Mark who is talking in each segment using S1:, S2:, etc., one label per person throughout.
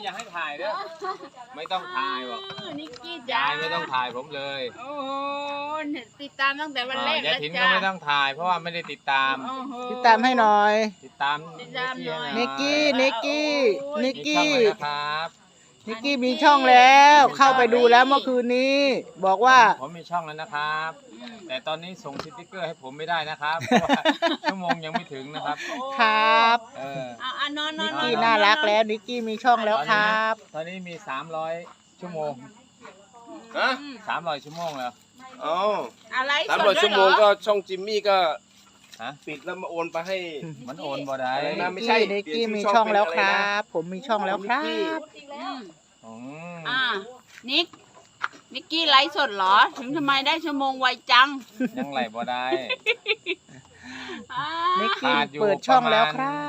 S1: อยากให้ถ่ายเด้อไม่ต้องถ่ายบอก
S2: นิกกี้จ้าย
S1: ายไม่ต้องถ่ายผมเลย
S2: โอ้โหติดตามตั้งแต่วันแรก
S1: ยาย
S2: แล้ว
S1: ถิ่นก็
S2: จ้า
S1: ไม่ต้องถ่ายเพราะว่าไม่ได้ติดตาม
S2: โอ้โห
S3: ติดตามให้หน่อย
S1: ติดตาม
S2: ติดตามหน่อย
S3: นิกกี้นิกกี้นิก
S1: มีช่อง
S3: กี้
S1: เลยนะครับ
S3: นิกกี้มีช่องแล้วเข้าไปดูแล้วเมื่อคืนนี้ บอกว่า
S1: ผมมีช่องแล้วนะครับ แต่ตอนนี้ส่งสติ๊กเกอร์ให้ผมไม่ได้นะครับเพราะว่าชั่วโมงยังไม่ถึงนะครับ
S3: ครับ
S2: เอานอนนอ
S3: นิ
S2: น
S3: ก
S2: นอน
S3: กี้น่ารักแล้วนิกกี้มีช่องแล้วครับ
S1: ตอนนี้มี300ชั่วโมง
S4: ฮะ
S1: 300ชั่วโมงแล้ว
S4: อ๋อ
S2: อะไร
S4: 300 ชั่วโมงก็ช่องจิมมี่ก็
S1: ฮะ
S4: ปิดแล้วมาโอนไปให้
S1: มันโอนบ่ได้
S4: อะไรนะ ไม่
S3: นิก
S4: ใช่
S3: กี้นิกกี้มีช่องแล้วครับ ผมมีช่องแล้วครับ
S1: อืม
S2: นิกกี้ไลฟ์สดเหรอ ถึงทำไมได้ชั่วโมงไวจัง
S1: ยังไหลบ่ได้
S2: อ่า
S3: นิกกี้เปิดช่องแล้วครับ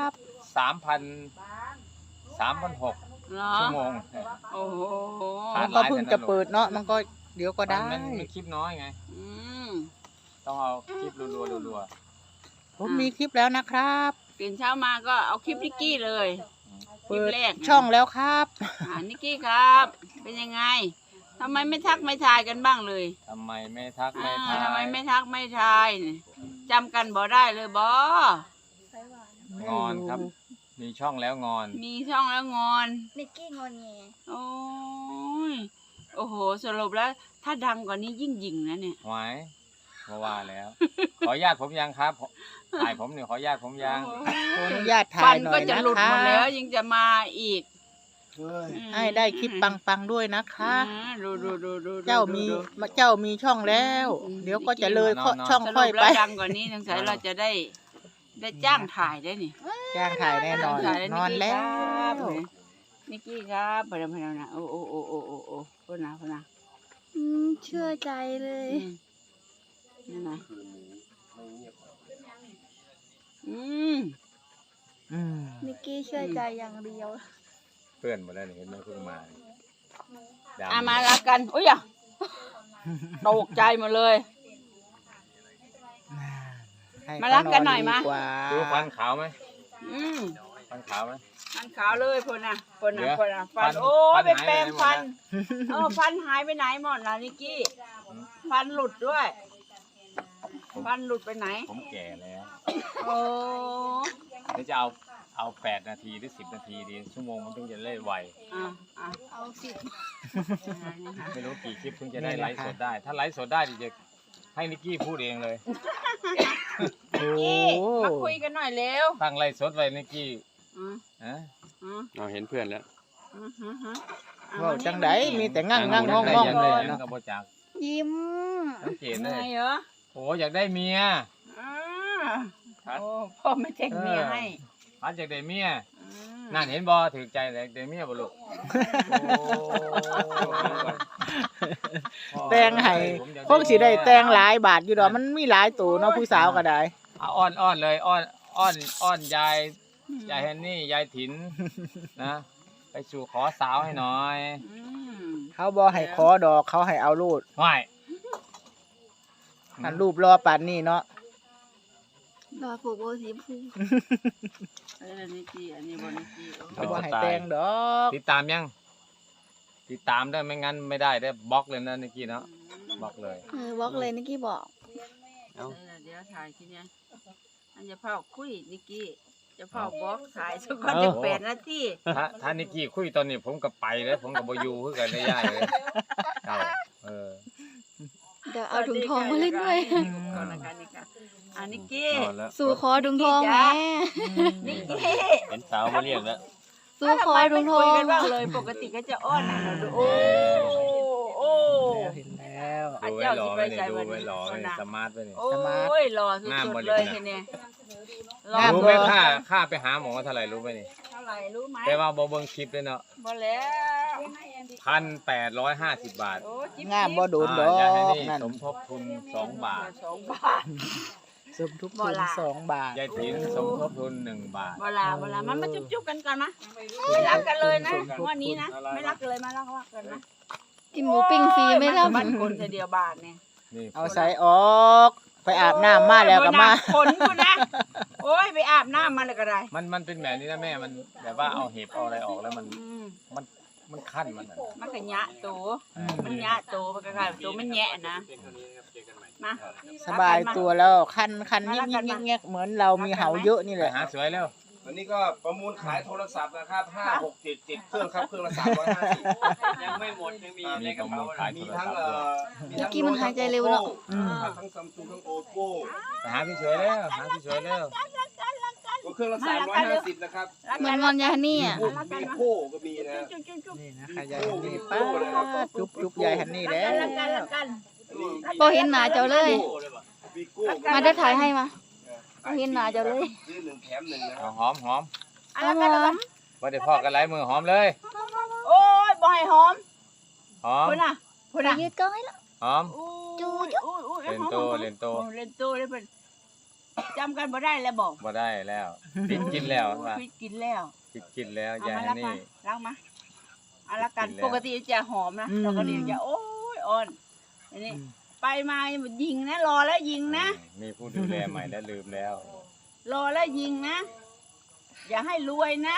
S1: 3,600
S2: เหรอ
S1: ชั่วโมง
S2: โอ้โห
S1: ขาด
S3: ก็เพิ่งจะเปิดเนาะมันก็เดี๋ยวก็ได้
S1: มันคลิปน้อยไง
S2: อืม
S1: ต้องเอาคลิปรัว
S3: ผมมีคลิปแล้วนะครับ
S2: ตื่นเช้ามาก็เอาคลิปนิกกี้เลยคลิป
S3: เปิด
S2: แรก
S3: ช่องแล้วครับ
S2: นิกกี้ครับ เป็นยังไงทำไมไม่ทักไม่ทายกันบ้างเลย
S1: ๆทำไมไม่ทักไม่ทาย
S2: ทำไมไม่ทักไม่ทายเนี่ยจำกันบ่ได้เลยบ่
S1: งอนครับ มีช่องแล้วงอน
S2: มีช่องแล้วงอน
S5: นิกกี้งอนแง
S2: โอ้ย โอ้โห สรุปแล้ว ถ้าดังกว่านี้ยิ่งยิงนะเนี่ย
S1: ไว้มาว่าแล้ว ขออนุญาตผมยังครับถ่ายผมเนี่ยขออนุญาตผมยัง
S3: ขออนุญาตถ่า
S2: ฟั
S3: ย
S2: น
S3: หน่อ
S2: ก็
S3: ย
S2: จะ
S3: นะ
S2: หลุด
S3: ครั
S2: หมดแล้ว
S3: บ
S2: ยังจะมาอีก
S3: ให้ได้คลิปปังๆด้วยนะคะ
S2: ดู
S3: เจ้ามีช่องแล้ว เดี๋ยวก็จะเลยช่อง
S2: ส
S3: ค่
S2: รุ
S3: อย
S2: ป
S3: ไป
S2: แล้วดังกว่านี้สงสัยเราจะได้จ้างถ่ายได้นี่
S3: จ้างถ่ายแน่นอน
S2: ถ่ายได้
S3: นอนแล้ว
S2: นิกกี้ครับพนันนะโอ้พูดนะ
S5: เชื่อใจเลย
S2: นี่นะอืม
S5: นิกกี้เชื่อใจอย่างเดียว
S1: เพื่อนหมดแล้วนี่เห็นไหมเพิ่งมาดำ
S2: มารักกันอุ้ยอ่ะตกใจหมดเลย มารักกันหน่อยมา
S3: ดีกว่า
S1: ดูฟันขาวไหม
S2: อืม
S1: ฟันขาวไหม
S2: มันขาวเลยพ่นน่ะ
S1: เดี๋ยว
S2: ฟันโอ้
S1: ฟั
S2: ย
S1: น
S2: ไปแปรง
S1: หายไปไหนหมด
S2: ฟันฟันหายไปไหนหมดล่ะนิกกี้ ฟันหลุดด้วย ฟันหลุดไปไหน
S1: ผมแก่แล้ว
S2: โอ้
S1: เดี๋ยวจะเอา8 นาทีหรือ10 นาทีดีชั่วโมงมันถึงจะเล่นไว
S2: อ่ะ
S5: เอาสิ
S1: ไม่รู้กี่คลิปถึงจะได้ไลฟ์สดได้ ถ้าไลฟ์สดได้จะให้นิกกี้พูดเองเลย
S3: โอ้
S2: นี่มาคุยกันหน่อยเร็ว
S1: ตั้งไลฟ์สดไว้นิกกี้
S2: อืม
S1: ฮะ
S2: อืม
S4: เราเห็นเพื่อนแล้ว
S2: อืมอ่ะ
S3: ว่า
S2: มานี่
S3: จังไดมีแต่งั่ง
S1: ได้
S3: งอง
S1: ได้
S3: งอง
S1: ยัง
S3: เล
S1: ได้
S3: ย
S1: ยัง
S3: เนาะ
S1: กับโบจัก
S5: ยิ้ม
S1: สังเกตเล
S2: ไง
S1: ย
S2: เหรอ
S1: โอ้อยากได้เมีย
S2: อ่าโอ้พ่อไม่แต่งเมียให้
S1: พัดอยากได้เมีย
S2: อืม
S1: นั่นเห็นบ่ถือใจเลยได้เมียบ่ลูกโอ้
S3: แต่งให้พวกสิได้แต่งหลายบาทอยู่ดอกมันมีหลายตัวเนาะผู้สาวก็ได้
S1: เอาอ้อนเลยอ้อนยายแฮนนี่ยายถินนะไปสู่ขอสาวให้หน่อย
S2: อืม
S3: เขาบ่ให้ขอดอกเขาให้เอารูด
S1: ไม่
S3: อันรูปรอป่านนี้เนาะ
S5: รอผูกโบสีพู
S2: อันนี้กี้อันนี้บนิกี้
S3: เขาบ่ให้แต่งดอก
S1: ติดตามยังติดตามได้ไม่งั้นไม่ได้ได้บล็อกเลยนะนิกกี้เนาะบล็อกเลย
S5: บล็อกเลยนิกกี้บอก
S2: เดี๋ยวถ่ายทีเนี้ยอันจะเผาคุยนิกกี้จะเผาบล็อกถ่ายสักคนจะ8 นาที
S1: ถ้านิกกี้คุยตอนนี้ผมก็ไปเลยผมก็บ่อยู่คือกันได้ย่ายเลยเอา
S5: เดี๋ยวเอาถุงทองมาเล่นด้วย
S2: ก่อนละกันนี่ค่ะอันนิกกี้
S1: นอนแล้ว
S5: สู่ขอถุงทองแม่
S2: นิกกี้
S1: เห็นสาวมาเรียกแล้ว
S5: สู่ขอถุงท
S2: คุ
S5: อย ง
S2: กันบ้างเลยปกติก็จะอ้อนนะเราดูโอ้โอ้
S3: เห็นแล้ว
S1: ดูไว้รอไว้เนี่ยดูไว้รอไว้เนี่ยสมาร์ทไว้เนี่ย
S2: โอ้ยหล่อสุดๆเลยทีเนี้ยหล่อ
S1: รู้ไหมค่าไปหาหมอเท่าไหร่รู้ไหมนี่
S2: เท่าไหร่รู้ไหม
S1: แต่ว่าบ่เบิ่งคลิปเลยเนาะ
S2: บ่แล้ว
S1: 1,850 บาท
S2: โอ้จิ๊บ
S3: งามบ่โดนดอ
S1: อย่าให้
S3: ก
S1: นี่
S3: นั่น
S1: สมทบทุน2 บาท
S2: 2 บาท
S3: สมทุกทุน2 บาท
S1: ยายถินสมทบทุน1 บาท
S2: เวลามันมาจุ๊บๆกันก่อนนะไม่รักกันเลยนะวันนี้นะไม่รักเลยมารักกันนะ
S5: กินหมูปิ้งฟรีไม่รับ
S2: บ้านคนเดียวบาทเนี่ย
S1: นี่
S3: เอาใส่ออกไปอาบน้ำมาแล้วก็มา
S2: ขนกูนะโอ้ยไปอาบน้ำมาเลยก็ได้
S1: มันเป็นแบบนี้นะแม่มันแบบว่าเอาเห็บเอาอะไรออกแล้วมัน
S2: อืม
S1: มันมันขั้นมันน่ะ
S2: มันก็ยะโตมันยะโตมันก็กลายเป็นโตมันแยะนะมา
S3: สบายตัวแล้วคันยิกเหมือนเรามีเหาเยอะนี่
S1: ไป
S3: แหละ
S1: หาสวยแล้ว
S4: วันนี้ก็ประมูลขายโทรศัพท์นะครับ5 6 7 7เครื่องครับเครื่องละ350
S6: ยังไม่หมดยังมี
S1: มี
S6: ในก
S1: ประ
S6: ระ
S1: มู
S6: เป๋า
S1: ลขายโท
S4: มี
S1: ร
S4: ทั้ง
S1: ศัพท์ด้วย
S4: มีทั้ง
S5: เมื่อกี้มันหายใจเร็วเนอะ
S4: ทั้งซัมซุงทั้งโอโก้
S1: ไปหาพี่สวยแล้วหาพี่สวยแล้ว
S4: ก็เครื่องละ350นะครับ
S5: เหมือนวันยานี่อ่ะ
S4: มีโค้ก็มีนะ
S3: นี่นะคะยายฮันนี่ป้าจุ๊บยายฮันนี่แล้ว
S2: ละกัน
S5: บ่เห็นหน้าเจ้าเลย
S4: วีโก้
S5: มาได้ถ่ายให้มาบ่เห็นหน้าเจ้าเลย
S4: ซื้อ1แถม1นะค
S1: เอา
S4: รับ
S1: หอม
S5: หอม
S1: ว่าได้พอกันหลายมือหอมเลย
S2: โอ้ยบ่ให้หอม
S1: หอม
S2: พุ่นน่ะ
S5: ไปยืดก้อยแล้ว
S1: หอม
S2: จูเล่นโตเล่นโตได้เพิ่นจำกันบ่ได้แล้วบอก
S1: บ่ได้แล้วปิดกินแล้วว่า
S2: พิดกินแล้ว
S1: ปิดกินแล้ว
S2: เอา
S1: ยาย
S2: มา
S1: ฮั
S2: ละ
S1: น
S2: กั
S1: นี่
S2: นล้างมาเอาละกัน
S1: กินแล้ว
S2: ปกติจะหอมนะเราก็เรียกจะโอ้ยอ่อนอันนี้ไปมายิงนะรอแล้วยิงนะ
S1: มีผู้ดูแลใหม่แล้วลืมแล้ว
S2: รอแล้วยิงนะ อย่าให้รวยนะ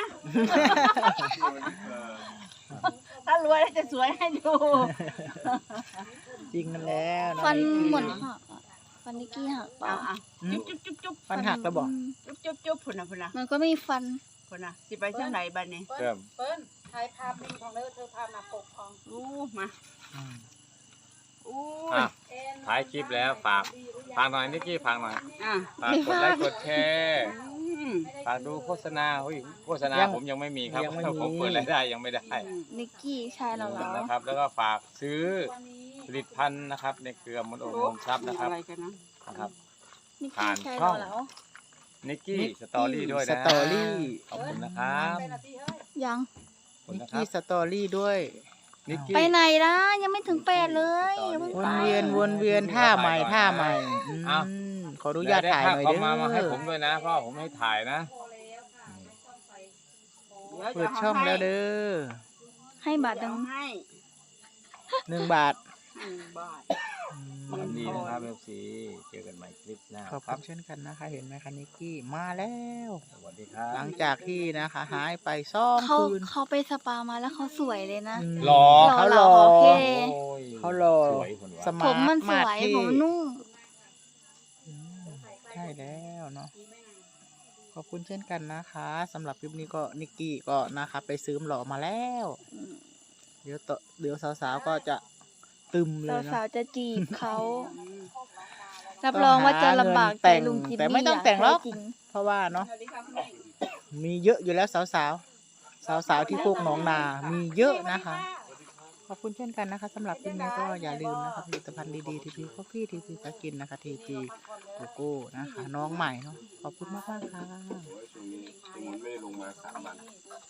S2: ถ้ารวยแล้วจะสวยให้ดู
S3: จริงกันแล้วเนาะ
S5: ฟันเหมือนหักอ่ะฟันนิกกี้หักเปล่า
S2: เอาจุ๊บ
S3: ฟันหักแล้วบอก
S2: จุ๊บพุ่นนะ
S5: มันก็ไม่มีฟัน
S2: พุ่นนะสิไปเที่ยวไหนบ้านนี้
S1: เพิ่ม
S2: อู้มาอู้
S1: อ่ะถ่ายคลิปแล้วฝากหน่อยนิกกี้ฝากหน่อย
S2: อ่ะ
S1: ฝากกดไลค์กดแชร์
S2: อืม
S1: ฝากดูโฆษณาโฆษณา
S3: ยัง
S1: ผมยังไม่มีครับ
S3: ยังไม่มี
S1: ผมเปิดรายได้ยังไม่ได้
S5: นิกกี้ชายเราเหรอ
S1: นะครับ แล้วก็ฝากซื้อผลิตภัณฑ์นะครับในเครือมนโอมทรัพย์นะครับ
S2: อะไรกันนะ
S1: นะครับ
S5: นิก
S1: ผ่า
S5: กี้
S1: น
S5: ชาย
S1: ช่
S5: เรา
S1: อง
S5: เหรอ
S1: นิกกี้สตอรี่ด้วย
S3: ส
S1: นะ
S3: ตอรี่
S1: ขอบคุณนะครับ
S5: ยัง
S1: ขอบคุณ
S3: นิก
S1: นะครั
S3: กี้
S1: บ
S3: สตอรี่ด้วย
S1: นิก
S5: ไป
S1: กี้
S5: ไหนล่ะยังไม่ถึง8เลยอย่าเพิ่ง
S3: ว
S5: ไป
S3: นเวียนท่าใหม่ขออนุญาตถ่ายหน่อย
S1: เขา
S3: เด้
S1: มาให้
S3: อ
S1: ผมด้วยนะเพราะผมให้ถ่ายนะ
S3: เปิดช่องแล้วเด้อ
S5: ให้บาท
S2: เดี๋
S5: ดั
S2: ยว
S5: ง
S2: ให้
S3: 1 บาท
S2: 1 บาท
S1: สวัสดีนะครับเอฟซีเจอกันใหม่คลิปหน้า
S3: ขอบ
S1: ค
S3: คุ
S1: รับ
S3: ณเช่นกันนะคะ เห็นไหมคะนิกกี้มาแล้ว
S1: สวัสดีครับ
S3: หลังจากที่นะคะหายไปซ่อม
S5: เขา
S3: คืน
S5: เขาไปสปามาแล้วเขาสวยเลยนะ
S1: หล่อ
S3: เขาหล่อ
S5: โอเค
S1: โอ้ย
S3: เขาหล่อ
S1: สวยคนวะ
S3: ส
S5: ผ
S3: มาร์
S5: ม
S3: ท
S5: มันสวย
S3: ที่
S5: ผมนุ่ม
S3: ใช่แล้วเนาะขอบคุณเช่นกันนะคะสำหรับคลิปนี้ก็นิกกี้ก็นะคะไปซื้อหล่อมาแล้ว เดี๋ยวสาวๆก็จะตึมเลยเนาะ
S5: สาวๆจะจีบเขารับรองว่าจะลำบากใจลุงจิมมี่
S3: แต่ไม่ต้องแต่งหรอก
S5: จริง
S3: เพราะว่าเนาะมีเยอะอยู่แล้วสาวๆที่โคกหนองนา มีเยอะนะคะ ขอบคุณเช่นกันนะคะสำหรับคลิปนี้ก็อย่าลืมนะคะผลิตภัณฑ์ดีๆทีพีคอฟฟี่ทีพีสกินนะคะทีพีโกโก้นะคะ น้องใหม่เนาะขอบคุณมากๆค่ะ
S4: ช่วงนี้ไม่ได้ลงมา3 วัน